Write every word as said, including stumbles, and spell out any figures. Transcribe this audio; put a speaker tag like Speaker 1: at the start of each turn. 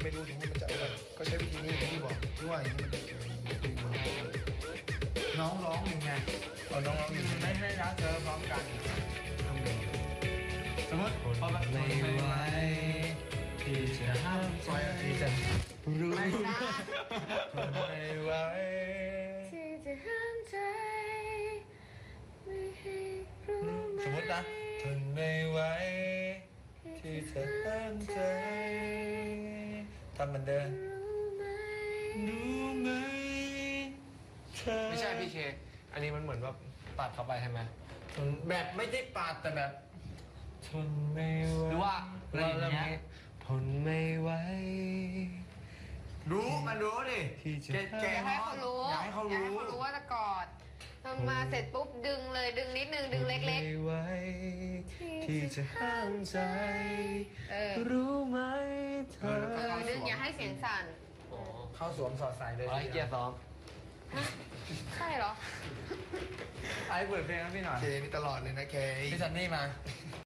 Speaker 1: ไม่รู้ถึงว่ามันจะอะไรก็ใช้วิธีนี้ที่บอกที่ว่าอย่างนี้มันจะน้องร้องยังไงเอาน้องร้องยังไงไม่ให้รักเธอพร้อมกันทำไงสมมติพอแบบไม่ไหวที่จะห้ามใจที่จะรู้ไม่ไหว
Speaker 2: ที่จะห้ามใจไม่ให้รู้ไหม
Speaker 1: สมมตินะทนไม่ไหวที่จะห้ามใจทำเหมือนเดิมรู้ไหมเธอ
Speaker 3: ไม่ใช่พี่เคอันนี้มันเหมือนแบบตัดเข้าไปใช่ไหม
Speaker 1: แบบไม่ได้ปาดแต่แบบทนไม่ไหว
Speaker 3: หรือว่าอะไรอย่างเงี้ย
Speaker 1: ทนไม่ไหวรู้มันรู้ดิแกแก
Speaker 2: อยากให้เขารู้
Speaker 1: อยากให้เขารู้
Speaker 2: อยากให้เขารู้ว่าจะกอดทำมาเสร็จปุ๊บดึงเลยดึงนิดนึงดึงเล็ก
Speaker 1: ไม่ไหวที่จะห้ามใจ
Speaker 2: ๆเออ
Speaker 1: รู้ไหมเธอ
Speaker 2: เออดึงอย่าให้เสียงสั่น
Speaker 1: เข้าสวมสอดใส่เลย
Speaker 3: ไอ้เกียร์ซ้อม
Speaker 2: ใช่เหรอ
Speaker 3: ไอ้เปิดเพลงให้พี่หน่อย
Speaker 1: เคนี่ตลอดเลยนะเค
Speaker 3: พี่ซันนี่มา